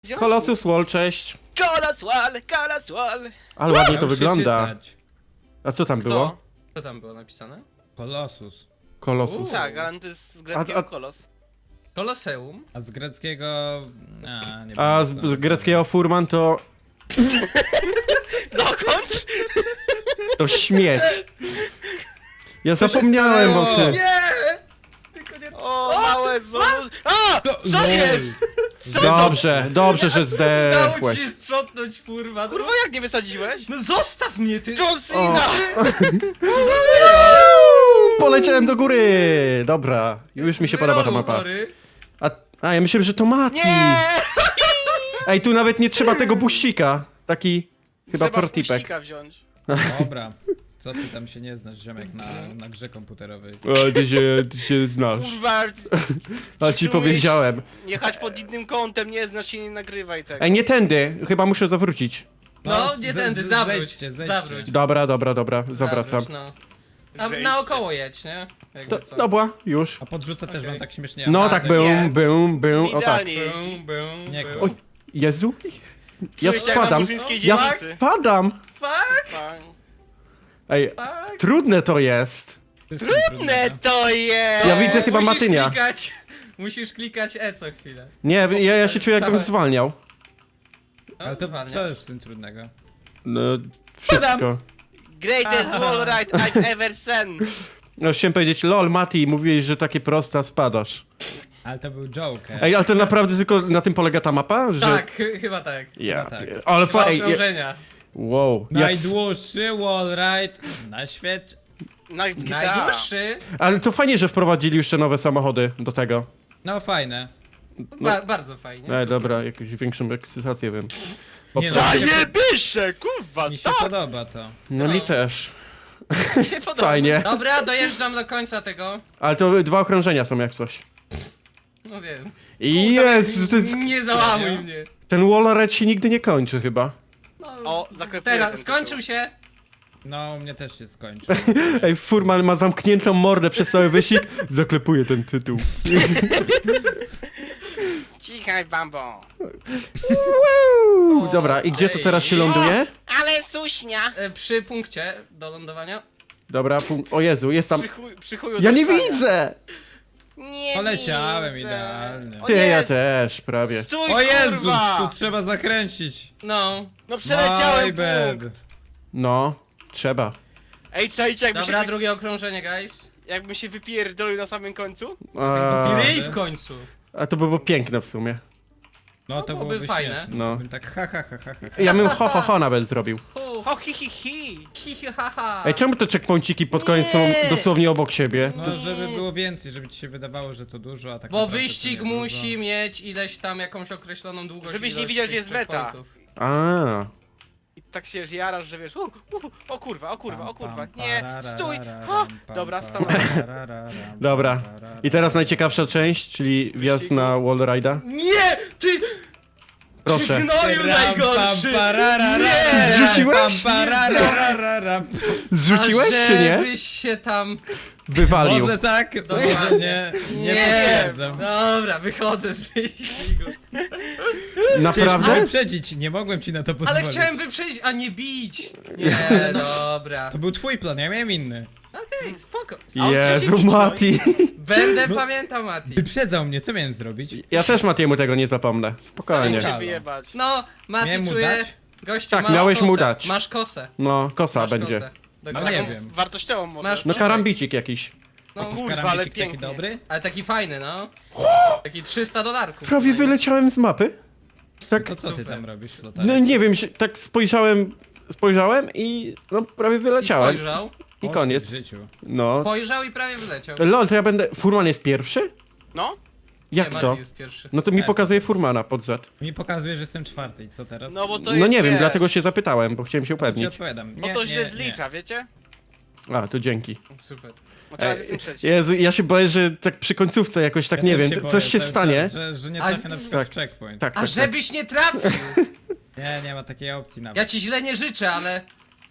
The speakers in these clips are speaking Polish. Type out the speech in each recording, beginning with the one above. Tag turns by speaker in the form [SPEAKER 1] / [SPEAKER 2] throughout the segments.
[SPEAKER 1] Colossus Wall, cześć.
[SPEAKER 2] Colossus Wall.
[SPEAKER 1] Ale ładnie to
[SPEAKER 3] Muszę
[SPEAKER 1] wygląda.
[SPEAKER 3] czytać.
[SPEAKER 1] A co tam było?
[SPEAKER 4] Co tam było napisane?
[SPEAKER 3] Colossus.
[SPEAKER 1] Colossus.
[SPEAKER 2] Tak, ale to jest z greckiego
[SPEAKER 1] A-
[SPEAKER 2] kolos.
[SPEAKER 4] Koloseum.
[SPEAKER 3] A z greckiego... nie
[SPEAKER 1] A
[SPEAKER 3] będę
[SPEAKER 1] z greckiego furman to...
[SPEAKER 2] Dokończ!
[SPEAKER 1] to śmieć. Ja zapomniałem o tym.
[SPEAKER 4] Tylko nie...
[SPEAKER 2] O, małe znowu. A! Co jest? Co
[SPEAKER 1] Dobrze, dobrze, że
[SPEAKER 4] Udało ci
[SPEAKER 1] zdechłeś.
[SPEAKER 4] się sprzątnąć, kurwa.
[SPEAKER 2] Kurwa, jak nie wysadziłeś?
[SPEAKER 4] No zostaw mnie, ty!
[SPEAKER 2] John Cena!
[SPEAKER 1] Poleciałem do góry. Dobra, już mi się podoba ta mapa. A ja myślałem, że to Mati.
[SPEAKER 2] Nie!
[SPEAKER 1] Ej, tu nawet nie trzeba tego buścika. Taki chyba
[SPEAKER 2] Trzeba
[SPEAKER 1] protipek.
[SPEAKER 2] wpuścika wziąć.
[SPEAKER 3] Dobra. Co ty tam się nie znasz, ziomek, na grze komputerowej?
[SPEAKER 1] O, ty się znasz.
[SPEAKER 2] Kurwa,
[SPEAKER 1] A ci powiedziałem.
[SPEAKER 2] jechać pod innym kątem, nie znasz się, nie nagrywaj tego.
[SPEAKER 1] Ej, nie tędy. Chyba muszę zawrócić.
[SPEAKER 4] No, nie tędy, zawróć.
[SPEAKER 3] zejdźcie.
[SPEAKER 4] Zawróć.
[SPEAKER 1] Dobra, zawracam.
[SPEAKER 4] Zawróć, no. A
[SPEAKER 2] Zejdźcie.
[SPEAKER 4] naokoło jedź, nie? Jakby co.
[SPEAKER 1] Dobra, już.
[SPEAKER 3] A podrzucę też
[SPEAKER 4] Okej.
[SPEAKER 3] wam tak śmiesznie.
[SPEAKER 1] No
[SPEAKER 3] A,
[SPEAKER 1] tak,
[SPEAKER 3] że-
[SPEAKER 1] był, o tak.
[SPEAKER 2] Idealnie jeździ.
[SPEAKER 3] Nie,
[SPEAKER 4] bum.
[SPEAKER 3] kurwa.
[SPEAKER 1] Oj, Jezu. Ja
[SPEAKER 2] Czujesz się jak na
[SPEAKER 1] spadam.
[SPEAKER 2] murzyńskiej
[SPEAKER 1] Ja
[SPEAKER 2] dzielnicy.
[SPEAKER 1] spadam.
[SPEAKER 4] Fuck,
[SPEAKER 2] Tak.
[SPEAKER 1] Ej,
[SPEAKER 4] fuck.
[SPEAKER 1] trudne to jest.
[SPEAKER 3] To jest
[SPEAKER 2] Trudne to jest!
[SPEAKER 1] Ja widzę chyba
[SPEAKER 4] Musisz
[SPEAKER 1] Matynia.
[SPEAKER 4] Musisz klikać E co chwilę.
[SPEAKER 1] Nie, ja się czuję jakbym
[SPEAKER 4] Całe-
[SPEAKER 1] zwalniał.
[SPEAKER 4] No,
[SPEAKER 3] Ale to
[SPEAKER 4] zwalnia.
[SPEAKER 3] co jest w tym trudnego?
[SPEAKER 1] No, wszystko.
[SPEAKER 2] Greatest wall ride I've ever seen.
[SPEAKER 1] No, chciałem powiedzieć, lol, Mati, mówiłeś, że takie proste, a spadasz.
[SPEAKER 3] Ale to był joke.
[SPEAKER 1] Ej, ale to naprawdę tylko na tym polega ta mapa? Że...
[SPEAKER 4] Tak, chyba tak.
[SPEAKER 1] Ja,
[SPEAKER 3] No tak.
[SPEAKER 1] ale
[SPEAKER 4] Dwa
[SPEAKER 1] ej,
[SPEAKER 4] okrążenia.
[SPEAKER 1] wow.
[SPEAKER 3] Najdłuższy wallride na świecie.
[SPEAKER 2] No i GTA.
[SPEAKER 4] Najdłuższy,
[SPEAKER 1] Ale to fajnie, że wprowadzili jeszcze nowe samochody do tego.
[SPEAKER 3] No fajne.
[SPEAKER 4] bardzo fajnie.
[SPEAKER 1] Ej,
[SPEAKER 4] super.
[SPEAKER 1] dobra, jakąś większą ekscytację wiem.
[SPEAKER 3] Nie,
[SPEAKER 2] Zajebiście, kurwa,
[SPEAKER 3] Mi się
[SPEAKER 2] tak
[SPEAKER 3] podoba to.
[SPEAKER 1] No mi też.
[SPEAKER 2] mi się podoba.
[SPEAKER 1] Fajnie.
[SPEAKER 4] Dobra, dojeżdżam do końca tego.
[SPEAKER 1] Ale to dwa okrążenia są jak coś.
[SPEAKER 4] No wiem.
[SPEAKER 1] I Jezu, to jest...
[SPEAKER 4] Nie załamuj mnie.
[SPEAKER 1] Ten wallride się nigdy nie kończy chyba.
[SPEAKER 4] No,
[SPEAKER 2] O, zaklepuję
[SPEAKER 4] teraz
[SPEAKER 2] ten
[SPEAKER 4] skończył
[SPEAKER 2] tytuł.
[SPEAKER 4] się.
[SPEAKER 3] No, u mnie też się skończy.
[SPEAKER 1] Ej, Furman ma zamkniętą mordę przez cały wyścig. Zaklepuje ten tytuł.
[SPEAKER 2] Cichaj, bambo.
[SPEAKER 1] Dobra, i gdzie to teraz się ląduje?
[SPEAKER 2] Ale suśnia.
[SPEAKER 4] Przy punkcie do lądowania.
[SPEAKER 1] Dobra, o Jezu, jest tam...
[SPEAKER 2] Przy chuju
[SPEAKER 1] Ja nie
[SPEAKER 2] zaszczania.
[SPEAKER 1] widzę!
[SPEAKER 2] Nie
[SPEAKER 3] Poleciałem
[SPEAKER 2] widzę.
[SPEAKER 3] idealnie.
[SPEAKER 2] O
[SPEAKER 1] Ty,
[SPEAKER 2] nie,
[SPEAKER 1] ja też, prawie.
[SPEAKER 2] Stój,
[SPEAKER 3] O Jezus,
[SPEAKER 2] kurwa!
[SPEAKER 3] tu trzeba zakręcić.
[SPEAKER 4] No.
[SPEAKER 2] No przeleciałem
[SPEAKER 3] My bad.
[SPEAKER 2] punkt.
[SPEAKER 1] No, trzeba.
[SPEAKER 2] Ej, czajcie, jakby
[SPEAKER 4] Dobra,
[SPEAKER 2] się,
[SPEAKER 4] drugie okrążenie, guys.
[SPEAKER 2] jakby się wypierdolił na samym końcu.
[SPEAKER 1] A,
[SPEAKER 4] Ryj w końcu.
[SPEAKER 1] a to by było piękne w sumie.
[SPEAKER 3] No to
[SPEAKER 4] byłoby
[SPEAKER 3] byłoby
[SPEAKER 4] fajne.
[SPEAKER 3] śmieszne.
[SPEAKER 1] No.
[SPEAKER 3] Bym tak ha.
[SPEAKER 1] Ja bym ho nawet zrobił.
[SPEAKER 2] O, hi.
[SPEAKER 4] Haha.
[SPEAKER 1] Ej, czemu te checkpointsiki pod koniec są
[SPEAKER 4] Nie.
[SPEAKER 1] dosłownie obok siebie?
[SPEAKER 3] No żeby było więcej, żeby ci się wydawało, że to dużo, a tak
[SPEAKER 4] Bo
[SPEAKER 3] naprawdę to
[SPEAKER 4] wyścig
[SPEAKER 3] nie
[SPEAKER 4] musi
[SPEAKER 3] dużo.
[SPEAKER 4] mieć ileś tam jakąś określoną długość.
[SPEAKER 2] Żebyś nie
[SPEAKER 4] ilość
[SPEAKER 2] widział,
[SPEAKER 4] tych
[SPEAKER 2] gdzie jest meta.
[SPEAKER 4] checkpointów.
[SPEAKER 1] A,
[SPEAKER 2] I tak się jarasz, że wiesz, o kurwa.
[SPEAKER 3] Pam,
[SPEAKER 2] Nie,
[SPEAKER 3] pararara,
[SPEAKER 2] stój.
[SPEAKER 3] raram,
[SPEAKER 2] Ha!
[SPEAKER 3] pam,
[SPEAKER 2] Dobra,
[SPEAKER 3] pararara,
[SPEAKER 2] stanąłem.
[SPEAKER 3] raram,
[SPEAKER 1] dobra.
[SPEAKER 3] pararara.
[SPEAKER 1] I teraz najciekawsza część, czyli wjazd na wallride'a.
[SPEAKER 4] Nie! Ty!
[SPEAKER 1] Proszę.
[SPEAKER 4] Gnoju najgorszy!
[SPEAKER 3] Pam, pararara,
[SPEAKER 4] Nie!
[SPEAKER 1] Zrzuciłeś?
[SPEAKER 3] pam, pararara.
[SPEAKER 1] Zrzuciłeś czy nie?
[SPEAKER 4] Żebyś się tam...
[SPEAKER 1] Wywalił.
[SPEAKER 3] Może tak,
[SPEAKER 4] Dokładnie.
[SPEAKER 3] może nie. Nie potwierdzam.
[SPEAKER 4] Dobra, wychodzę z wyścigu.
[SPEAKER 1] Naprawdę?
[SPEAKER 3] Wyprzedzić, nie mogłem ci na to pozwolić.
[SPEAKER 4] Ale chciałem wyprzedzić, a nie bić! Nie, dobra.
[SPEAKER 3] To był twój plan, ja miałem inny.
[SPEAKER 4] Okej, spoko.
[SPEAKER 1] Jezu, Mati.
[SPEAKER 4] Będę pamiętał, Mati.
[SPEAKER 3] Wyprzedzał mnie, co miałem zrobić?
[SPEAKER 1] Ja też Matiemu tego nie zapomnę.
[SPEAKER 2] Nie
[SPEAKER 1] Spokojnie.
[SPEAKER 2] się
[SPEAKER 3] Halo.
[SPEAKER 2] wyjebać.
[SPEAKER 4] No, Mati
[SPEAKER 3] Miałem mu
[SPEAKER 4] czuje...
[SPEAKER 3] dać?
[SPEAKER 4] Gościu,
[SPEAKER 1] Tak,
[SPEAKER 4] masz
[SPEAKER 1] miałeś
[SPEAKER 4] kosę.
[SPEAKER 1] mu dać.
[SPEAKER 4] Masz kosę.
[SPEAKER 1] No, kosa
[SPEAKER 4] Masz
[SPEAKER 1] będzie.
[SPEAKER 4] kosę.
[SPEAKER 3] No
[SPEAKER 4] Dokładnie.
[SPEAKER 3] nie
[SPEAKER 2] Taką
[SPEAKER 3] wiem.
[SPEAKER 2] wartościową może.
[SPEAKER 4] Masz-
[SPEAKER 1] No karambicik jakiś.
[SPEAKER 4] No,
[SPEAKER 2] kurwa, ale
[SPEAKER 3] Karambicik
[SPEAKER 2] pięknie.
[SPEAKER 3] taki dobry?
[SPEAKER 4] ale taki fajny, no. Taki $300.
[SPEAKER 1] Prawie wyleciałem z mapy. Tak,
[SPEAKER 3] To co ty
[SPEAKER 4] Super.
[SPEAKER 3] tam robisz, Lotarek?
[SPEAKER 1] no nie wiem, tak spojrzałem i no prawie
[SPEAKER 4] I
[SPEAKER 1] wyleciałem.
[SPEAKER 4] spojrzał.
[SPEAKER 1] I
[SPEAKER 3] W
[SPEAKER 1] koniec.
[SPEAKER 3] życiu.
[SPEAKER 1] No.
[SPEAKER 4] Spojrzał i prawie wyleciał.
[SPEAKER 1] Lol, to ja będę... Furman jest pierwszy?
[SPEAKER 2] No?
[SPEAKER 1] Jak
[SPEAKER 4] nie,
[SPEAKER 1] to?
[SPEAKER 4] Mati jest pierwszy.
[SPEAKER 1] No to mi
[SPEAKER 3] Jest.
[SPEAKER 1] pokazuje Furmana pod Z.
[SPEAKER 3] Mi pokazuje, że jestem czwarty i co teraz?
[SPEAKER 2] No bo to
[SPEAKER 1] No
[SPEAKER 2] jest,
[SPEAKER 1] nie wiem,
[SPEAKER 2] wiesz,
[SPEAKER 1] dlatego się zapytałem, bo chciałem się
[SPEAKER 3] To ci
[SPEAKER 1] upewnić.
[SPEAKER 3] odpowiadam.
[SPEAKER 2] Bo to źle zlicza, wiecie?
[SPEAKER 1] A, to dzięki.
[SPEAKER 4] Super.
[SPEAKER 2] Bo teraz
[SPEAKER 1] Ej,
[SPEAKER 2] jestem trzeci.
[SPEAKER 1] Jezu, ja się boję, że tak przy końcówce jakoś tak
[SPEAKER 3] Ja
[SPEAKER 1] nie
[SPEAKER 3] też
[SPEAKER 1] wiem,
[SPEAKER 3] boję
[SPEAKER 1] coś się
[SPEAKER 3] cały
[SPEAKER 1] stanie.
[SPEAKER 3] czas, że nie
[SPEAKER 4] A-
[SPEAKER 3] trafię na przykład
[SPEAKER 1] tak.
[SPEAKER 3] w checkpoint.
[SPEAKER 1] Tak,
[SPEAKER 4] A
[SPEAKER 1] tak, tak.
[SPEAKER 4] żebyś nie trafił!
[SPEAKER 3] Nie ma takiej opcji nawet.
[SPEAKER 4] Ja ci źle nie życzę, ale...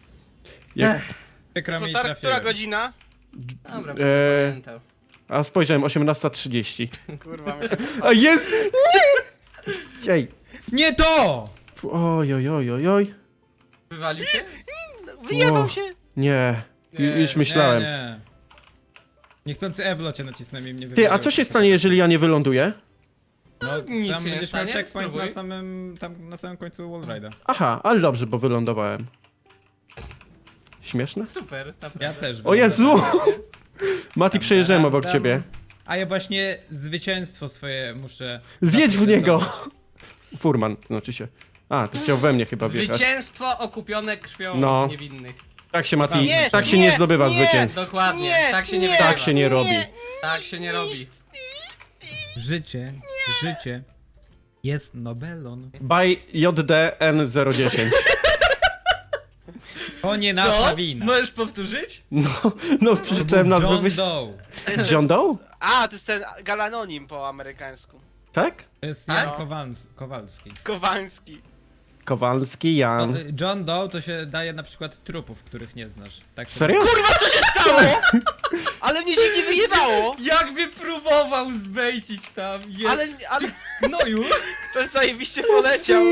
[SPEAKER 1] Jak,
[SPEAKER 3] Przykro mi,
[SPEAKER 2] Która
[SPEAKER 3] trafiłem.
[SPEAKER 2] godzina?
[SPEAKER 4] Dobra, będę pamiętał.
[SPEAKER 1] a spojrzałem, 18:30.
[SPEAKER 2] Kurwa, myślę.
[SPEAKER 1] A jest! Nie! Ej,
[SPEAKER 3] Nie to!
[SPEAKER 1] Oj, oj, oj, oj, oj.
[SPEAKER 4] Wywalił się?
[SPEAKER 2] Wyjebał
[SPEAKER 1] O.
[SPEAKER 2] się.
[SPEAKER 1] Nie,
[SPEAKER 4] Nie,
[SPEAKER 1] już myślałem.
[SPEAKER 3] Nie. Niechcący Ewlo cię nacisnąłem i mnie
[SPEAKER 1] Ty, a
[SPEAKER 3] wywaliło.
[SPEAKER 1] co się stanie, jeżeli ja nie wyląduję?
[SPEAKER 3] No,
[SPEAKER 4] nic
[SPEAKER 3] tam
[SPEAKER 4] się nie
[SPEAKER 3] będziesz miał
[SPEAKER 4] stanie,
[SPEAKER 3] checkpoint
[SPEAKER 4] spróbuj.
[SPEAKER 3] na samym końcu wallride'a.
[SPEAKER 1] Aha, ale dobrze, bo wylądowałem. Śmieszne?
[SPEAKER 4] Super, naprawdę.
[SPEAKER 3] Ja też.
[SPEAKER 1] O Jezu!
[SPEAKER 3] wylądowałem.
[SPEAKER 1] Mati, przejeżdżałem obok
[SPEAKER 3] Tam.
[SPEAKER 1] ciebie.
[SPEAKER 3] A ja właśnie zwycięstwo swoje muszę...
[SPEAKER 1] Wjedź w niego!
[SPEAKER 3] zaprezentować.
[SPEAKER 1] Furman, to znaczy się. A, to chciał we mnie chyba wjechać.
[SPEAKER 4] Zwycięstwo okupione krwią
[SPEAKER 1] No.
[SPEAKER 4] niewinnych.
[SPEAKER 1] Tak się, Mati,
[SPEAKER 2] Nie,
[SPEAKER 1] tak się nie
[SPEAKER 2] nie,
[SPEAKER 1] zdobywa
[SPEAKER 2] nie,
[SPEAKER 1] zwycięstw.
[SPEAKER 4] Dokładnie,
[SPEAKER 2] Nie,
[SPEAKER 4] tak się nie
[SPEAKER 2] nie.
[SPEAKER 4] wygrywa.
[SPEAKER 1] Tak się nie robi.
[SPEAKER 4] Tak się nie robi.
[SPEAKER 3] Życie jest Nobelon.
[SPEAKER 1] By JDN010.
[SPEAKER 3] To nie nasza
[SPEAKER 4] Co?
[SPEAKER 3] wina.
[SPEAKER 4] Możesz powtórzyć?
[SPEAKER 1] No, przeczytałem nazwę.
[SPEAKER 3] John
[SPEAKER 1] Wyś...
[SPEAKER 3] Doe.
[SPEAKER 1] John Doe?
[SPEAKER 2] A, to jest ten galanonim po amerykańsku.
[SPEAKER 1] Tak?
[SPEAKER 3] To jest
[SPEAKER 4] Tak?
[SPEAKER 3] Jan Kowalski.
[SPEAKER 2] Kowalski.
[SPEAKER 1] Kowalski, Jan.
[SPEAKER 3] John Doe to się daje na przykład trupów, których nie znasz. Tak
[SPEAKER 1] Serio?
[SPEAKER 2] Kurwa, co się stało? Ale mnie się nie wyjebało.
[SPEAKER 4] Jakby próbował zbejcić tam.
[SPEAKER 2] Ale
[SPEAKER 4] No już.
[SPEAKER 2] ktoś zajebiście poleciał.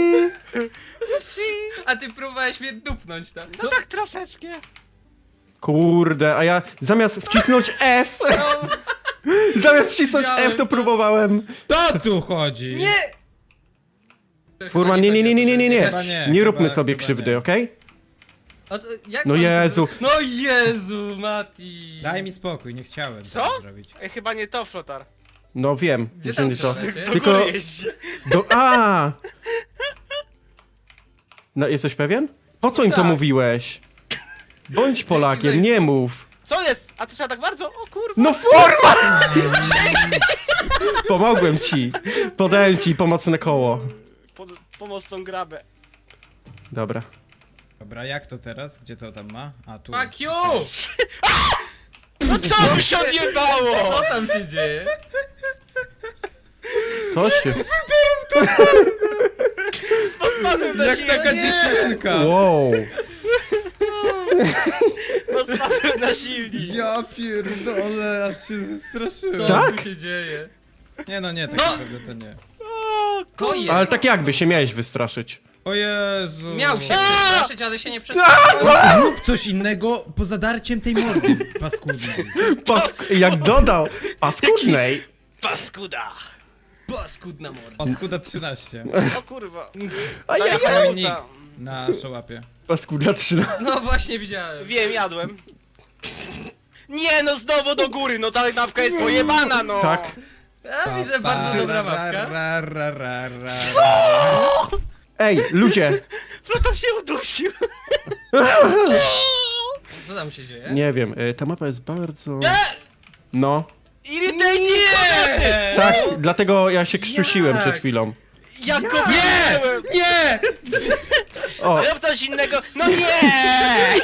[SPEAKER 4] A ty próbowałeś mnie dupnąć tam.
[SPEAKER 2] No tak troszeczkę.
[SPEAKER 1] Kurde, a ja zamiast wcisnąć F, zamiast wcisnąć
[SPEAKER 4] Widziałem
[SPEAKER 1] F, to
[SPEAKER 4] to.
[SPEAKER 1] próbowałem.
[SPEAKER 3] To tu chodzi!
[SPEAKER 2] Nie!
[SPEAKER 1] Furman, nie, nie, nie, nie, nie, nie, nie.
[SPEAKER 3] Chyba nie,
[SPEAKER 1] Nie róbmy
[SPEAKER 3] chyba-
[SPEAKER 1] sobie
[SPEAKER 3] chyba
[SPEAKER 1] krzywdy,
[SPEAKER 3] nie.
[SPEAKER 1] okej?
[SPEAKER 4] A to jak
[SPEAKER 1] No
[SPEAKER 4] mam to
[SPEAKER 1] Jezu.
[SPEAKER 4] zrobić? No Jezu, Mati.
[SPEAKER 3] Daj mi spokój, nie chciałem
[SPEAKER 2] Co?
[SPEAKER 3] tego zrobić.
[SPEAKER 2] Ej, chyba nie to, Flotar.
[SPEAKER 1] No wiem,
[SPEAKER 4] Gdzie
[SPEAKER 1] że
[SPEAKER 4] tam
[SPEAKER 1] nie to.
[SPEAKER 4] trzeba
[SPEAKER 2] Do
[SPEAKER 1] Tylko-
[SPEAKER 2] góry jeździ.
[SPEAKER 1] A! No, jesteś pewien? Po co im to
[SPEAKER 2] Tak.
[SPEAKER 1] mówiłeś? Bądź Polakiem, nie mów.
[SPEAKER 2] Co jest? A to trzeba tak bardzo? O kurwa.
[SPEAKER 1] No Furman! Pomogłem ci. Podałem ci pomocne koło.
[SPEAKER 2] Pomocną grabę.
[SPEAKER 1] Dobra.
[SPEAKER 3] Dobra, jak to teraz? Gdzie to tam ma? A tu.
[SPEAKER 4] Fuck you!
[SPEAKER 2] No co mi się odjebało?
[SPEAKER 4] Co tam się dzieje?
[SPEAKER 1] Co się...
[SPEAKER 2] Spadłem na
[SPEAKER 3] Jak
[SPEAKER 2] silnik.
[SPEAKER 3] taka dziewczynka!
[SPEAKER 1] Wow.
[SPEAKER 2] Spadłem na silnik.
[SPEAKER 3] Ja pierdolę, aż się wystraszyłem.
[SPEAKER 4] Co
[SPEAKER 1] Tak?
[SPEAKER 4] tu się dzieje?
[SPEAKER 3] Nie no nie, tak
[SPEAKER 4] No!
[SPEAKER 3] naprawdę to nie.
[SPEAKER 2] O,
[SPEAKER 4] To jest.
[SPEAKER 1] Ale tak jakby się miałeś wystraszyć.
[SPEAKER 3] O Jezu.
[SPEAKER 4] Miał się przestraszyć, ale się nie przestraszył.
[SPEAKER 3] Rób coś innego poza darciem tej mordy paskudnej.
[SPEAKER 1] Jak dodał paskudnej.
[SPEAKER 2] paskuda.
[SPEAKER 4] Paskudna morda.
[SPEAKER 3] Paskuda 13.
[SPEAKER 2] O kurwa.
[SPEAKER 1] A ja,
[SPEAKER 3] Cały nick
[SPEAKER 2] Pauza.
[SPEAKER 3] na szołapie.
[SPEAKER 1] Paskuda 3.
[SPEAKER 4] No właśnie widziałem.
[SPEAKER 2] Wiem, jadłem. Nie no, znowu do góry, no ta mapka jest pojebana, no.
[SPEAKER 1] Tak.
[SPEAKER 4] A, widzę bardzo dobra mapka.
[SPEAKER 1] Ej, ludzie.
[SPEAKER 2] Flotar się udusił.
[SPEAKER 4] Co tam się dzieje?
[SPEAKER 1] Nie wiem, ta mapa jest bardzo...
[SPEAKER 4] Nie!
[SPEAKER 1] No.
[SPEAKER 2] Irytejnie kobiety.
[SPEAKER 4] Nie!
[SPEAKER 1] Tak, dlatego ja się krztusiłem
[SPEAKER 4] Jak?
[SPEAKER 1] przed chwilą.
[SPEAKER 2] Ja go widziałem.
[SPEAKER 3] Nie!
[SPEAKER 1] O,
[SPEAKER 2] Zrób coś innego. No nie!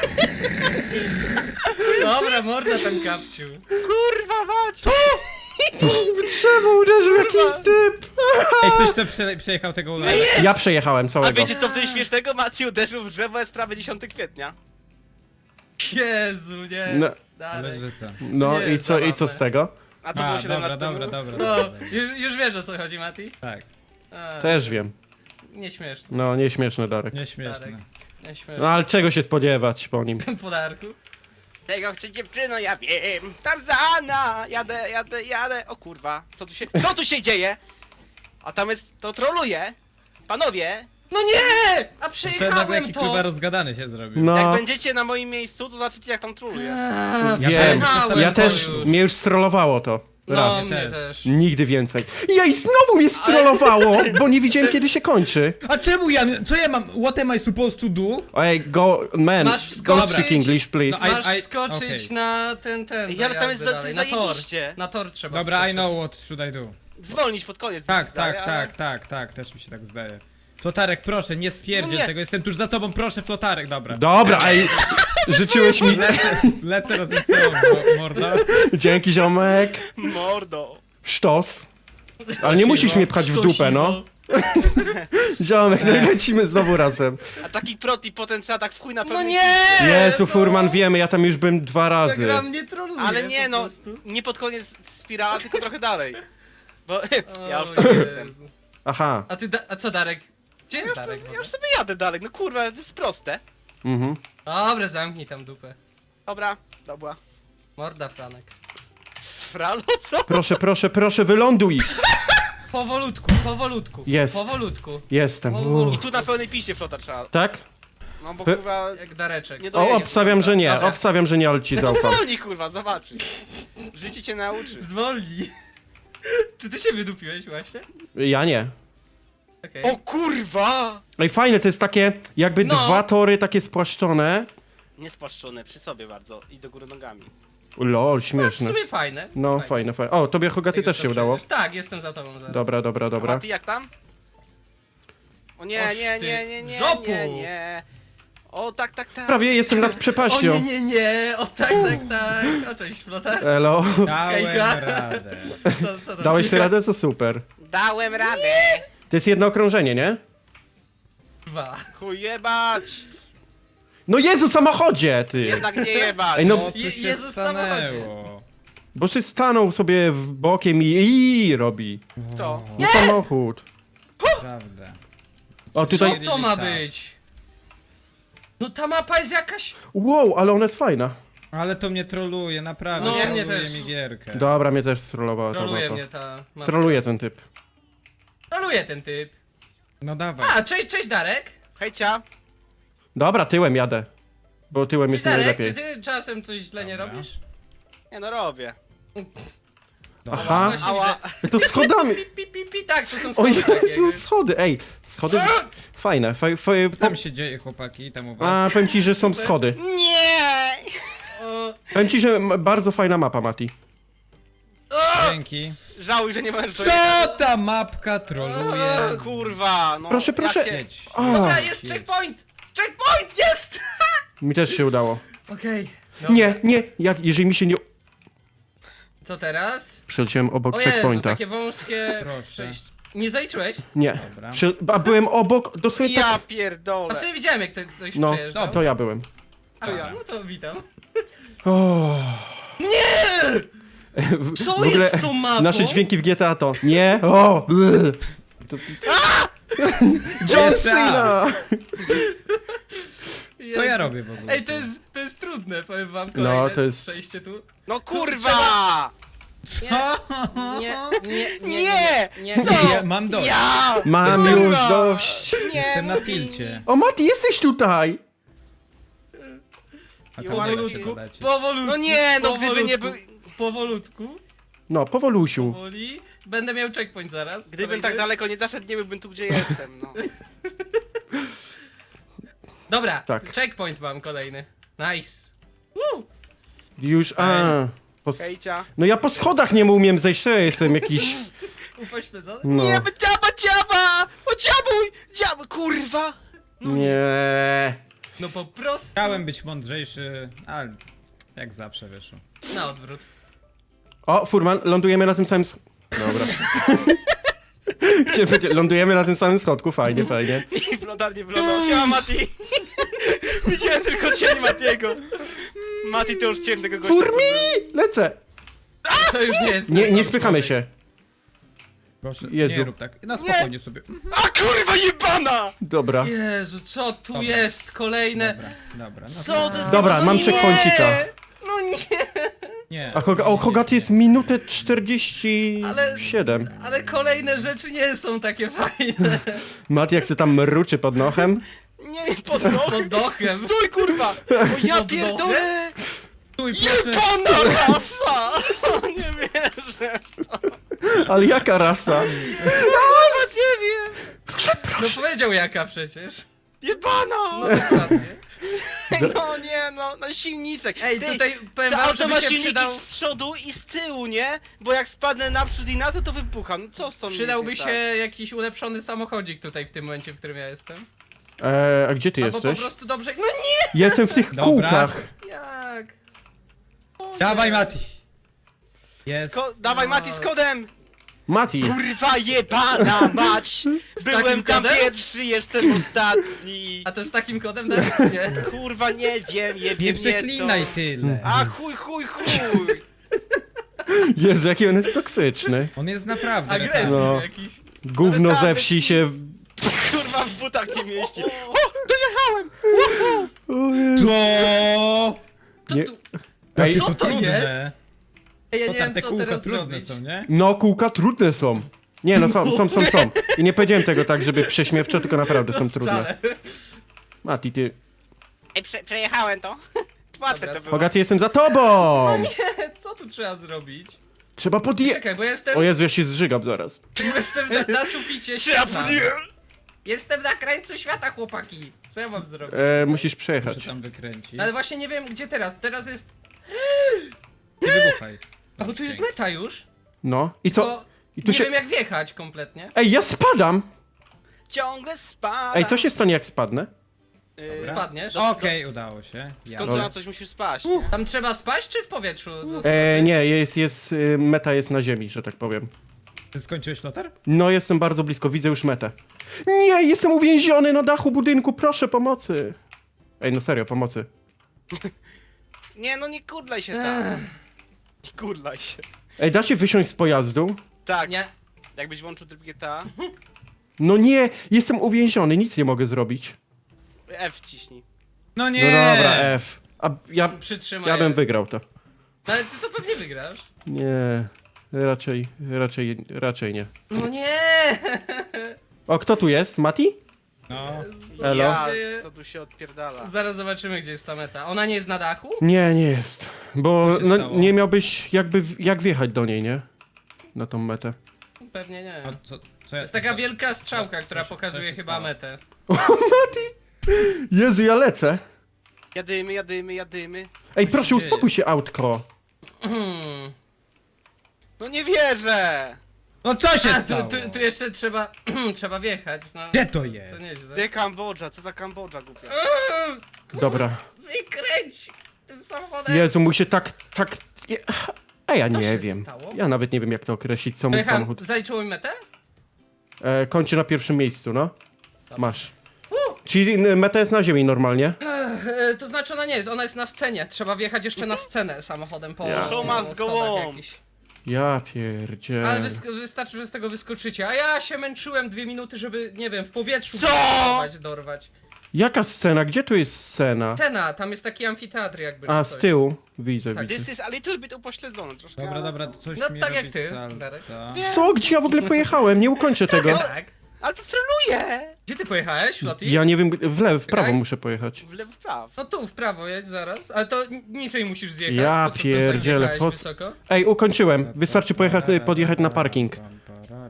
[SPEAKER 4] Dobra, morda tam kapciu.
[SPEAKER 2] Kurwa mać.
[SPEAKER 1] w drzewo uderzył jakiś typ.
[SPEAKER 3] Ej, ktoś to przejechał tego ulala.
[SPEAKER 1] Ja przejechałem
[SPEAKER 2] A
[SPEAKER 1] całego.
[SPEAKER 2] wiecie co w tym śmiesznego? Maciej uderzył w drzewo, jest prawie 10 kwietnia.
[SPEAKER 4] Jezu, nie.
[SPEAKER 1] No.
[SPEAKER 4] Dalej.
[SPEAKER 3] Leżyca.
[SPEAKER 1] No
[SPEAKER 4] Nie
[SPEAKER 1] i
[SPEAKER 4] jest
[SPEAKER 1] co
[SPEAKER 4] zabawne.
[SPEAKER 1] z tego?
[SPEAKER 2] A co było
[SPEAKER 3] A,
[SPEAKER 2] 7
[SPEAKER 3] dobra,
[SPEAKER 2] lat temu?
[SPEAKER 3] dobra, dobra.
[SPEAKER 4] No,
[SPEAKER 3] dobra.
[SPEAKER 4] już wiesz o co chodzi, Mati?
[SPEAKER 3] Tak,
[SPEAKER 4] A,
[SPEAKER 1] Też wiem.
[SPEAKER 4] Nieśmieszne,
[SPEAKER 1] No, nieśmieszny Darek.
[SPEAKER 3] nieśmieszne.
[SPEAKER 1] No
[SPEAKER 4] nieśmieszne.
[SPEAKER 1] ale czego się spodziewać po nim?
[SPEAKER 4] Podarku.
[SPEAKER 2] Czego chce dziewczyno, ja wiem. Tarzana! Jadę. O kurwa, co tu się dzieje? A tam jest, to troluje. Panowie,
[SPEAKER 4] No nie! A
[SPEAKER 3] Nagle
[SPEAKER 4] przejechałem
[SPEAKER 3] jaki
[SPEAKER 4] to!
[SPEAKER 3] kurwa rozgadany się zrobił.
[SPEAKER 1] No,
[SPEAKER 2] jak będziecie na moim miejscu, to zobaczycie jak tam troluje.
[SPEAKER 4] A,
[SPEAKER 1] wiem.
[SPEAKER 4] przejechałem
[SPEAKER 1] Ja
[SPEAKER 4] to
[SPEAKER 1] też,
[SPEAKER 4] już.
[SPEAKER 1] mnie już strollowało to.
[SPEAKER 4] No,
[SPEAKER 1] Raz.
[SPEAKER 4] mnie
[SPEAKER 3] Też.
[SPEAKER 4] też.
[SPEAKER 1] Nigdy więcej. I znowu mnie strollowało, bo nie widziałem kiedy się kończy.
[SPEAKER 3] A czemu co ja mam? What am I supposed to do?
[SPEAKER 1] Ej, go, man,
[SPEAKER 4] Masz
[SPEAKER 1] don't
[SPEAKER 4] wskoczyć.
[SPEAKER 1] speak English, please.
[SPEAKER 3] No,
[SPEAKER 4] Masz
[SPEAKER 3] I-
[SPEAKER 4] wskoczyć
[SPEAKER 3] okej.
[SPEAKER 4] na ten.
[SPEAKER 2] Ja, ale tam jest
[SPEAKER 4] jakby dalej, na tor.
[SPEAKER 2] zajebiście.
[SPEAKER 4] Na tor trzeba
[SPEAKER 3] Dobra,
[SPEAKER 4] wskoczyć.
[SPEAKER 3] I know what should I do.
[SPEAKER 2] Zwolnić pod koniec. mi
[SPEAKER 3] Tak,
[SPEAKER 2] się zdaje,
[SPEAKER 3] tak,
[SPEAKER 2] ale-
[SPEAKER 3] tak, też mi się tak zdaje. Flotarek, proszę, nie spierdziel
[SPEAKER 2] No nie.
[SPEAKER 3] tego, jestem tuż za tobą, proszę, Flotarek, dobra.
[SPEAKER 1] Dobra, ej, życzyłeś mi...
[SPEAKER 3] Lecę razem z tobą, morda.
[SPEAKER 1] Dzięki, ziomek.
[SPEAKER 2] Mordo.
[SPEAKER 1] Sztos. Ale nie musisz mnie pchać w dupę, no. Ziomek, no i lecimy znowu razem.
[SPEAKER 2] A taki prot i potem trzeba tak w chuj na
[SPEAKER 4] No
[SPEAKER 2] pewno.
[SPEAKER 4] nie!
[SPEAKER 1] Jezu, Furman, wiemy, ja tam już byłem 2
[SPEAKER 4] Ta
[SPEAKER 1] razy.
[SPEAKER 4] gra mnie troluje
[SPEAKER 2] Ale nie
[SPEAKER 4] po
[SPEAKER 2] no,
[SPEAKER 4] prostu.
[SPEAKER 2] nie pod koniec spirala, tylko trochę dalej. Bo ja już
[SPEAKER 4] O
[SPEAKER 2] tam
[SPEAKER 4] Jezu.
[SPEAKER 2] jestem.
[SPEAKER 1] Aha.
[SPEAKER 4] A co Darek? Gdzie jest Darek? w
[SPEAKER 2] Ja
[SPEAKER 4] ogóle?
[SPEAKER 2] już sobie jadę dalej, no kurwa, to jest proste.
[SPEAKER 1] Mhm.
[SPEAKER 4] Dobra, zamknij tam dupę.
[SPEAKER 2] Dobra.
[SPEAKER 4] Morda, Franek.
[SPEAKER 2] Fralo, co?
[SPEAKER 1] Proszę, proszę, proszę, wyląduj!
[SPEAKER 4] Powolutku.
[SPEAKER 1] Jest.
[SPEAKER 4] Powolutku.
[SPEAKER 1] Jestem.
[SPEAKER 2] I tu na pełnej piście flota trzeba.
[SPEAKER 1] Tak?
[SPEAKER 2] No bo
[SPEAKER 1] Pe-
[SPEAKER 2] kurwa...
[SPEAKER 4] Jak Dareczek.
[SPEAKER 2] Nie
[SPEAKER 1] O,
[SPEAKER 2] dojedziesz.
[SPEAKER 1] obstawiam, że nie.
[SPEAKER 4] Dobra.
[SPEAKER 1] Obstawiam, że nie, ale ci
[SPEAKER 2] No
[SPEAKER 1] zaufam.
[SPEAKER 2] zwolnij kurwa, zobaczysz. Życie cię nauczy.
[SPEAKER 4] Zwolnij. Czy ty się wydupiłeś właśnie?
[SPEAKER 1] Ja nie.
[SPEAKER 4] Okej.
[SPEAKER 2] O kurwa!
[SPEAKER 1] Ej, fajne, to jest takie, jakby
[SPEAKER 4] No.
[SPEAKER 1] dwa tory takie spłaszczone.
[SPEAKER 2] Niespłaszczone, przy sobie bardzo i do góry nogami.
[SPEAKER 1] Lol,
[SPEAKER 4] W
[SPEAKER 1] śmieszne.
[SPEAKER 4] sumie fajne.
[SPEAKER 1] No, fajne, fajne. O, tobie Hogaty
[SPEAKER 4] Jak
[SPEAKER 1] też
[SPEAKER 4] już
[SPEAKER 1] się
[SPEAKER 4] to
[SPEAKER 1] udało.
[SPEAKER 4] przejdziesz. Tak, jestem za tobą zaraz.
[SPEAKER 1] Dobra, dobra,
[SPEAKER 2] A
[SPEAKER 1] dobra.
[SPEAKER 2] ty jak tam? O nie,
[SPEAKER 4] Oż
[SPEAKER 2] nie,
[SPEAKER 4] ty,
[SPEAKER 2] nie, nie, nie,
[SPEAKER 4] żopu!
[SPEAKER 2] nie. O tak, tak, tak.
[SPEAKER 1] Prawie jestem nad
[SPEAKER 4] O
[SPEAKER 1] przepaścią.
[SPEAKER 4] nie, o tak. O cześć, flotar.
[SPEAKER 1] Elo.
[SPEAKER 3] Dałem
[SPEAKER 4] Hejka.
[SPEAKER 3] radę.
[SPEAKER 4] Co tam
[SPEAKER 1] Dałeś
[SPEAKER 4] słychać?
[SPEAKER 1] radę, to super.
[SPEAKER 2] Dałem radę.
[SPEAKER 1] To jest jedno okrążenie, nie?
[SPEAKER 4] Dwa.
[SPEAKER 2] Chuj jebać.
[SPEAKER 1] No Jezu, samochodzie, ty!
[SPEAKER 2] Jednak nie jebać.
[SPEAKER 1] Ej, no,
[SPEAKER 3] O, tu się
[SPEAKER 4] Jezus,
[SPEAKER 3] stanęło.
[SPEAKER 1] bo ty stanął sobie w bokiem i robi.
[SPEAKER 2] Kto?
[SPEAKER 1] No samochód.
[SPEAKER 3] Prawda.
[SPEAKER 1] O,
[SPEAKER 4] Co
[SPEAKER 1] tutaj...
[SPEAKER 4] to ma
[SPEAKER 3] Tak.
[SPEAKER 4] być? No ta mapa jest jakaś...
[SPEAKER 1] Wow, ale ona jest fajna.
[SPEAKER 3] Ale to mnie troluje, naprawdę.
[SPEAKER 4] No,
[SPEAKER 3] troluje
[SPEAKER 4] mnie też.
[SPEAKER 3] mi gierkę.
[SPEAKER 1] Dobra, mnie też strolowała ta
[SPEAKER 4] Troluje
[SPEAKER 1] mapa.
[SPEAKER 4] mnie ta mapa.
[SPEAKER 1] Troluje ten typ.
[SPEAKER 4] Troluje ten typ.
[SPEAKER 3] No dawaj.
[SPEAKER 4] A, cześć Darek.
[SPEAKER 2] Hejcia.
[SPEAKER 1] Dobra, tyłem jadę. Bo tyłem jest
[SPEAKER 4] Darek, czy
[SPEAKER 1] najlepiej.
[SPEAKER 4] ty czasem coś źle nie
[SPEAKER 3] Dobra.
[SPEAKER 4] robisz?
[SPEAKER 2] Nie no robię.
[SPEAKER 3] Dobra.
[SPEAKER 1] Aha,
[SPEAKER 4] Właśnie
[SPEAKER 2] Ała.
[SPEAKER 4] widzę.
[SPEAKER 1] to schodami.
[SPEAKER 4] Tak, to są
[SPEAKER 1] O
[SPEAKER 4] schody takie.
[SPEAKER 1] Jezu, schody, ej. Schody fajne.
[SPEAKER 3] Co tam się dzieje, chłopaki, tam u was?
[SPEAKER 1] A, powiem ci, że są schody.
[SPEAKER 2] Nie!
[SPEAKER 4] O,
[SPEAKER 1] Powiem ci, że bardzo fajna mapa, Mati.
[SPEAKER 3] Dzięki.
[SPEAKER 2] Żałuj, że nie możesz dojechać.
[SPEAKER 3] Co ta mapka troluje?
[SPEAKER 2] Kurwa, no.
[SPEAKER 1] Proszę,
[SPEAKER 2] jak
[SPEAKER 1] proszę.
[SPEAKER 2] się-
[SPEAKER 3] Jedź.
[SPEAKER 1] O,
[SPEAKER 4] Dobra, jest checkpoint! Checkpoint jest!
[SPEAKER 1] mi też się udało.
[SPEAKER 4] Okej.
[SPEAKER 1] Nie, nie, jeżeli mi się nie...
[SPEAKER 4] Co teraz?
[SPEAKER 1] Przeleciałem obok
[SPEAKER 4] O Jezu,
[SPEAKER 1] checkpointa.
[SPEAKER 4] takie wąskie
[SPEAKER 3] Proszę.
[SPEAKER 4] przejście. Nie zaliczyłeś?
[SPEAKER 1] Nie.
[SPEAKER 3] Dobra.
[SPEAKER 1] A byłem obok, dosłownie
[SPEAKER 2] Ja
[SPEAKER 1] tak...
[SPEAKER 4] A
[SPEAKER 2] pierdolę.
[SPEAKER 4] w sumie widziałem jak ktoś
[SPEAKER 1] No,
[SPEAKER 4] przejeżdżał.
[SPEAKER 1] to ja byłem.
[SPEAKER 4] A,
[SPEAKER 2] to ja.
[SPEAKER 4] No to witam.
[SPEAKER 1] O.
[SPEAKER 4] Co
[SPEAKER 1] W ogóle
[SPEAKER 4] jest z tą mapą?
[SPEAKER 1] nasze dźwięki w GTA to... Nie, o! bleh. To... John
[SPEAKER 3] Jest
[SPEAKER 1] Cena!
[SPEAKER 3] To ja robię w ogóle.
[SPEAKER 4] Ej, to jest trudne, powiem wam kolejne
[SPEAKER 1] No, to jest-
[SPEAKER 4] przejście tu.
[SPEAKER 2] No kurwa! Nie!
[SPEAKER 4] nie.
[SPEAKER 3] Ja mam dość.
[SPEAKER 2] Ja!
[SPEAKER 1] Mam
[SPEAKER 2] Kurwa!
[SPEAKER 1] już dość.
[SPEAKER 2] Nie,
[SPEAKER 3] Jestem na
[SPEAKER 2] mówi
[SPEAKER 3] tilcie.
[SPEAKER 1] O, Mati, jesteś tutaj!
[SPEAKER 3] A to
[SPEAKER 2] Powolutku.
[SPEAKER 3] powolutku.
[SPEAKER 4] Powolutku.
[SPEAKER 2] No nie, no gdyby nie był...
[SPEAKER 4] Powolutku,
[SPEAKER 1] No, powolusiu.
[SPEAKER 4] powoli. Będę miał checkpoint zaraz.
[SPEAKER 2] Gdybym
[SPEAKER 4] kolejny.
[SPEAKER 2] tak daleko nie zaszedł, nie byłbym tu, gdzie jestem, no.
[SPEAKER 4] Dobra,
[SPEAKER 1] Tak.
[SPEAKER 4] checkpoint mam kolejny. Nice.
[SPEAKER 1] Już,
[SPEAKER 2] Hejcia.
[SPEAKER 1] No ja po schodach nie umiem zejść, to ja jestem jakiś...
[SPEAKER 4] Upośledzony?
[SPEAKER 1] No.
[SPEAKER 2] Nie, dziaba! O dziabuj! Dziabuj, kurwa!
[SPEAKER 1] Nie.
[SPEAKER 4] No po prostu
[SPEAKER 3] Chciałem być mądrzejszy, ale jak zawsze wyszło.
[SPEAKER 4] na odwrót.
[SPEAKER 1] O, Furman, lądujemy na tym samym... Dobra. Chciałem powiedzieć, lądujemy na tym samym schodku, fajnie, fajnie.
[SPEAKER 2] I flotarnie wlądał. Siema, Mati! Widziałem tylko cień Matiego. Mati to już cień tego gościa. co
[SPEAKER 1] Furmi! Lecę!
[SPEAKER 4] To już nie jest.
[SPEAKER 1] Nie,
[SPEAKER 4] ten
[SPEAKER 1] nie
[SPEAKER 4] sam
[SPEAKER 1] spychamy
[SPEAKER 4] człowiek.
[SPEAKER 1] się.
[SPEAKER 3] Proszę,
[SPEAKER 1] Jezu.
[SPEAKER 3] nie rób tak. Na spokojnie sobie.
[SPEAKER 2] był. A kurwa jebana!
[SPEAKER 1] Dobra.
[SPEAKER 4] Jezu, co tu
[SPEAKER 3] Dobra.
[SPEAKER 4] jest? Kolejne.
[SPEAKER 3] Dobra. No
[SPEAKER 2] Co to jest?
[SPEAKER 1] Dobra,
[SPEAKER 4] No
[SPEAKER 1] mam
[SPEAKER 4] nie!
[SPEAKER 1] checkpointika.
[SPEAKER 4] No nie!
[SPEAKER 3] Nie.
[SPEAKER 1] A Hogaty jest minutę 47.
[SPEAKER 4] Ale kolejne rzeczy nie są takie fajne.
[SPEAKER 1] Mati jak se tam mruczy pod nochem.
[SPEAKER 2] Nie, pod nogą.
[SPEAKER 4] Pod dochem.
[SPEAKER 2] Stój kurwa! O ja
[SPEAKER 4] Pod
[SPEAKER 2] pierdolę!
[SPEAKER 3] Stój, proszę.
[SPEAKER 2] Jebana rasa! Nie wierzę.
[SPEAKER 1] Ale jaka rasa?
[SPEAKER 2] Nawet nie wiem!
[SPEAKER 4] No powiedział jaka przecież.
[SPEAKER 2] Jebana!
[SPEAKER 4] No dokładnie.
[SPEAKER 2] No nie, no, na silniczek.
[SPEAKER 4] Ej,
[SPEAKER 2] Ty,
[SPEAKER 4] tutaj powiem
[SPEAKER 2] to
[SPEAKER 4] wam,
[SPEAKER 2] auto
[SPEAKER 4] żeby
[SPEAKER 2] ma
[SPEAKER 4] się
[SPEAKER 2] silniki
[SPEAKER 4] przydał...
[SPEAKER 2] z przodu i z tyłu, nie? Bo jak spadnę naprzód i na to, to wybucham. No co z tą
[SPEAKER 4] Przydałby
[SPEAKER 2] jest
[SPEAKER 4] się
[SPEAKER 2] nie tak?
[SPEAKER 4] jakiś ulepszony samochodzik tutaj w tym momencie, w którym ja jestem.
[SPEAKER 1] A gdzie ty
[SPEAKER 4] Albo po
[SPEAKER 1] jesteś?
[SPEAKER 4] prostu dobrze... No nie!
[SPEAKER 1] Jestem w tych
[SPEAKER 3] Dobra.
[SPEAKER 1] kółkach.
[SPEAKER 4] Jak? O
[SPEAKER 3] Dawaj,
[SPEAKER 4] nie.
[SPEAKER 3] Mati. Jest.
[SPEAKER 2] Dawaj Mati z kodem!
[SPEAKER 1] Mati.
[SPEAKER 2] Kurwa jebana mać! Byłem
[SPEAKER 4] takim
[SPEAKER 2] tam
[SPEAKER 4] kodem?
[SPEAKER 2] pierwszy, jestem ostatni!
[SPEAKER 4] A to z takim kodem dać, czy nie?
[SPEAKER 2] Kurwa nie wiem, jebie
[SPEAKER 3] Nie
[SPEAKER 2] mnie
[SPEAKER 3] przeklinaj
[SPEAKER 2] to.
[SPEAKER 3] tyle.
[SPEAKER 2] A chuj!
[SPEAKER 1] Jezu, jaki on jest toksyczny.
[SPEAKER 3] On jest naprawdę.
[SPEAKER 4] Agresji
[SPEAKER 1] No.
[SPEAKER 4] jakiś.
[SPEAKER 1] Gówno
[SPEAKER 2] Ale
[SPEAKER 1] ze
[SPEAKER 2] tam
[SPEAKER 1] wsi
[SPEAKER 2] jest-
[SPEAKER 1] się...
[SPEAKER 2] Kurwa, w butach nie mieści. O, dojechałem!
[SPEAKER 3] To!
[SPEAKER 4] Co
[SPEAKER 1] Nie-
[SPEAKER 4] tu?
[SPEAKER 1] Ej,
[SPEAKER 4] Co to
[SPEAKER 3] trudne.
[SPEAKER 4] jest? Ej, ja
[SPEAKER 3] To
[SPEAKER 4] nie
[SPEAKER 3] tam
[SPEAKER 4] wiem,
[SPEAKER 3] te
[SPEAKER 4] co
[SPEAKER 3] kółka
[SPEAKER 4] teraz
[SPEAKER 3] trudne
[SPEAKER 4] zrobić.
[SPEAKER 3] są, nie?
[SPEAKER 1] No, kółka trudne są. Nie no, są. I nie powiedziałem tego tak, żeby prześmiewczo, tylko naprawdę są trudne.
[SPEAKER 4] Wcale.
[SPEAKER 1] Mati, ty...
[SPEAKER 2] Ej, przejechałem to. Łatwe
[SPEAKER 4] Dobra,
[SPEAKER 2] to
[SPEAKER 4] co-
[SPEAKER 2] było.
[SPEAKER 1] Bogaty, jestem za tobą!
[SPEAKER 4] Co tu trzeba zrobić?
[SPEAKER 1] Trzeba
[SPEAKER 4] Czekaj, bo ja jestem,
[SPEAKER 1] O Jezu, ja się zżygam zaraz.
[SPEAKER 4] jestem na suficie świata. Jestem na krańcu świata, chłopaki. Co ja mam zrobić?
[SPEAKER 1] Musisz przejechać.
[SPEAKER 3] Muszę tam wykręcić.
[SPEAKER 4] No ale właśnie nie wiem, gdzie teraz. Teraz jest...
[SPEAKER 3] Nie wybuchaj.
[SPEAKER 4] A bo tu jest meta już.
[SPEAKER 1] No, i co?
[SPEAKER 4] Tylko
[SPEAKER 1] I tu
[SPEAKER 4] nie
[SPEAKER 1] się...
[SPEAKER 4] wiem, jak wjechać kompletnie.
[SPEAKER 1] Ej, ja spadam!
[SPEAKER 2] Ciągle spada.
[SPEAKER 1] Ej, co się stanie, jak spadnę?
[SPEAKER 4] Spadniesz.
[SPEAKER 3] Okej, udało się.
[SPEAKER 2] W
[SPEAKER 3] Ja.
[SPEAKER 2] końcu na coś musisz spaść.
[SPEAKER 4] Tam trzeba spaść, czy w powietrzu?
[SPEAKER 1] Nie, meta jest na ziemi, że tak powiem.
[SPEAKER 3] Ty skończyłeś flotar?
[SPEAKER 1] No, jestem bardzo blisko, widzę już metę. Nie, jestem uwięziony na dachu budynku, proszę pomocy. Ej, no serio, pomocy.
[SPEAKER 2] Nie, no nie kurdlaj się tam. Nie kurdlaj się.
[SPEAKER 1] Ej, da się wysiąść z pojazdu?
[SPEAKER 2] Tak,
[SPEAKER 4] Nie.
[SPEAKER 2] jakbyś włączył tryb GTA,
[SPEAKER 1] No nie, jestem uwięziony, nic nie mogę zrobić.
[SPEAKER 2] F wciśnij.
[SPEAKER 3] No
[SPEAKER 1] No
[SPEAKER 3] nie!
[SPEAKER 1] dobra, F. A
[SPEAKER 4] Przytrzymaj.
[SPEAKER 1] ja bym wygrał to.
[SPEAKER 4] No, ale ty to pewnie wygrasz.
[SPEAKER 1] Nie, raczej nie.
[SPEAKER 4] No nie!
[SPEAKER 1] O, kto tu jest? Mati?
[SPEAKER 3] No.
[SPEAKER 4] Co
[SPEAKER 1] Elo?
[SPEAKER 2] Ja,
[SPEAKER 4] dzieje?
[SPEAKER 2] co tu się odpierdala.
[SPEAKER 4] Zaraz zobaczymy, gdzie jest ta meta. Ona nie jest na dachu?
[SPEAKER 1] Nie, nie jest. Bo
[SPEAKER 3] Co się
[SPEAKER 1] no,
[SPEAKER 3] stało?
[SPEAKER 1] nie miałbyś jak wjechać do niej, nie? Na tą metę.
[SPEAKER 4] Pewnie nie.
[SPEAKER 3] No, co
[SPEAKER 4] To
[SPEAKER 3] ja...
[SPEAKER 4] jest taka wielka strzałka, która
[SPEAKER 3] co
[SPEAKER 4] pokazuje
[SPEAKER 3] się
[SPEAKER 4] chyba
[SPEAKER 3] stało?
[SPEAKER 4] metę.
[SPEAKER 1] Jezu, ja lecę.
[SPEAKER 2] Jadymy.
[SPEAKER 1] Ej,
[SPEAKER 3] się
[SPEAKER 1] proszę,
[SPEAKER 3] dzieje?
[SPEAKER 1] uspokój się, autko.
[SPEAKER 4] Hmm.
[SPEAKER 2] No nie wierzę!
[SPEAKER 3] No co się
[SPEAKER 4] A,
[SPEAKER 3] stało?
[SPEAKER 4] tu jeszcze trzeba, trzeba wjechać. No.
[SPEAKER 3] Gdzie to jest?
[SPEAKER 4] To nieźle.
[SPEAKER 2] Gdzie Kambodża? Co za Kambodża, głupia?
[SPEAKER 1] Dobra.
[SPEAKER 4] Wykręć tym samochodem.
[SPEAKER 1] Jezu, mój się tak... A ja
[SPEAKER 4] Co
[SPEAKER 1] nie
[SPEAKER 4] się
[SPEAKER 1] wiem.
[SPEAKER 4] stało?
[SPEAKER 1] Ja nawet nie wiem, jak to określić, co mój
[SPEAKER 4] Pojechałem,
[SPEAKER 1] samochód.
[SPEAKER 4] zaliczyło mi metę?
[SPEAKER 1] Kończy na pierwszym miejscu, no. Masz. Czyli meta jest na ziemi normalnie.
[SPEAKER 4] To znaczy ona nie jest, ona jest na scenie. Trzeba wjechać jeszcze na scenę samochodem po
[SPEAKER 1] Ja.
[SPEAKER 2] Show
[SPEAKER 4] po
[SPEAKER 2] must go
[SPEAKER 4] schodach
[SPEAKER 2] on.
[SPEAKER 4] jakichś.
[SPEAKER 1] Ja pierdzielę.
[SPEAKER 4] Ale wystarczy, że z tego wyskoczycie. A ja się męczyłem 2 minuty, żeby, nie wiem, w powietrzu
[SPEAKER 2] Co?
[SPEAKER 4] dorwać.
[SPEAKER 1] Jaka scena? Gdzie tu jest scena?
[SPEAKER 4] Scena, tam jest taki amfiteatr jakby.
[SPEAKER 1] A,
[SPEAKER 4] czy
[SPEAKER 1] z
[SPEAKER 4] coś.
[SPEAKER 1] tyłu. Widzę,
[SPEAKER 4] Tak.
[SPEAKER 1] widzę.
[SPEAKER 2] This is a little bit upośledzone troszkę.
[SPEAKER 3] Dobra,
[SPEAKER 2] ale-
[SPEAKER 3] dobra, to coś
[SPEAKER 4] No
[SPEAKER 3] mi
[SPEAKER 4] tak jak
[SPEAKER 3] robi
[SPEAKER 4] ty,
[SPEAKER 3] salto.
[SPEAKER 4] Darek.
[SPEAKER 1] Co? Gdzie ja w ogóle pojechałem? Nie ukończę tego.
[SPEAKER 4] Tak.
[SPEAKER 2] Ale to troluje!
[SPEAKER 4] Gdzie ty pojechałeś, Flotti?
[SPEAKER 1] Ja nie wiem, w prawo
[SPEAKER 4] Czekaj.
[SPEAKER 1] muszę pojechać.
[SPEAKER 2] W lewo, w prawo.
[SPEAKER 4] No tu, w prawo jedź zaraz. Ale to niżej musisz zjechać.
[SPEAKER 1] Ja
[SPEAKER 4] po co tu
[SPEAKER 1] pierdzielę,
[SPEAKER 4] tak
[SPEAKER 1] po
[SPEAKER 4] jechałeś
[SPEAKER 1] co-
[SPEAKER 4] wysoko?
[SPEAKER 1] Ej, ukończyłem. Wystarczy podjechać na parking.